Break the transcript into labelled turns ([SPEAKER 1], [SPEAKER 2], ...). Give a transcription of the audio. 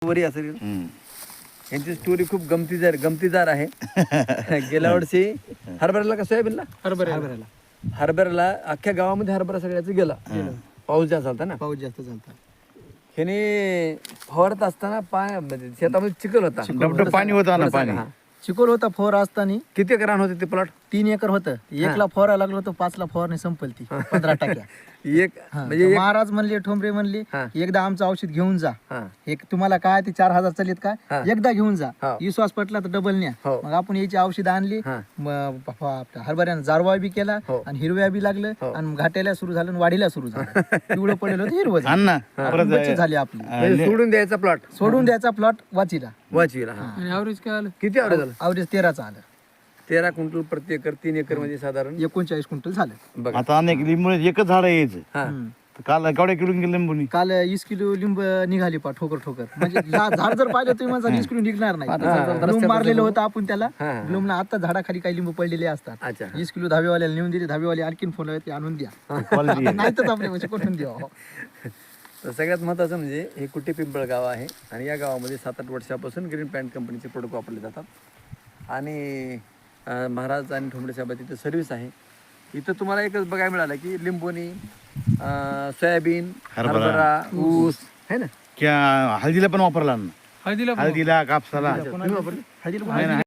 [SPEAKER 1] वरी असेल. यांची स्टोरी खूप गमतीदार आहे. गेल्या वर्षी हरभऱ्याला का सोयाबीनला हरभऱ्याला अख्ख्या गावामध्ये हरभरा सगळ्याच गेला. पाऊस जास्त झालता ना.
[SPEAKER 2] पाऊस जास्त झालता.
[SPEAKER 1] ह्याने फवारत असताना शेतामध्ये चिखल होता.
[SPEAKER 3] पाणी होतं ना. पाणी
[SPEAKER 2] चिकोल होता फवारा असताना.
[SPEAKER 1] किती एकर रान होते ते प्लॉट?
[SPEAKER 2] 3 एकर होतं. 1ला फवारा लागलो होतो, 5ला फवारणी संपल ती 15 टक्क्या.
[SPEAKER 1] एक म्हणजे
[SPEAKER 2] महाराज म्हणले, ठोंबरे म्हणले, एकदा आमचं औषध घेऊन जा. एक तुम्हाला काय ते 4000 चालेत का, एकदा घेऊन जा. विश्वास पटला तर डबल न्या. मग आपण याची औषध आणली. हरभऱ्यानं जारवा बी केला आणि हिरव्या बी लागलं आणि घाटायला सुरू झालं आणि वाढीला सुरू झालं. पिवळं पडलं होतं, हिरवं झाली आपली. सोडून द्यायचा प्लॉट वाचीला.
[SPEAKER 1] ऍव्हरेज काय आलं? किती ऍव्हरेज झालं?
[SPEAKER 2] ऍव्हरेज 13चं आलं.
[SPEAKER 1] 13 क्विंटल प्रति एकर. 3 एकर म्हणजे साधारण
[SPEAKER 2] 39 क्विंटल झालं.
[SPEAKER 1] बघा
[SPEAKER 3] आता अनेक लिंबू एकच झाड यायचं. काल केवढ्या किलो लिंबूनी?
[SPEAKER 2] काल 20 किलो लिंब निघाली पा ठोकर. म्हणजे झाड जर पाहिलं तुम्ही माझा 20 किलो निघणार नाही. ग्लूम मारलेलं होतं आपण त्याला. ग्लूमला आता झाडाखाली काही लिंबू पडलेले असतात. 20 किलो धाबेवाल्याला नेऊन दिले. धाबेवाले आणखीन फोन ते आणून द्या. नाही तर आपल्या म्हणजे कुठून द्या.
[SPEAKER 1] तर सगळ्यात महत्त्वाचं म्हणजे हे कुटे पिंपळ गाव आहे आणि या गावामध्ये 7-8 वर्षापासून ग्रीन पॅन्ट कंपनीचे प्रोडक्ट वापरले जातात. आणि महाराज आणि ठोंबरे साहेब तिथं सर्व्हिस आहे. इथं तुम्हाला एकच बघायला मिळालं की लिंबोनी, सोयाबीन, हरभरा, ऊस आहे ना.
[SPEAKER 3] हळदीला पण वापरला ना. हळदीला कापसाला
[SPEAKER 2] हळदीला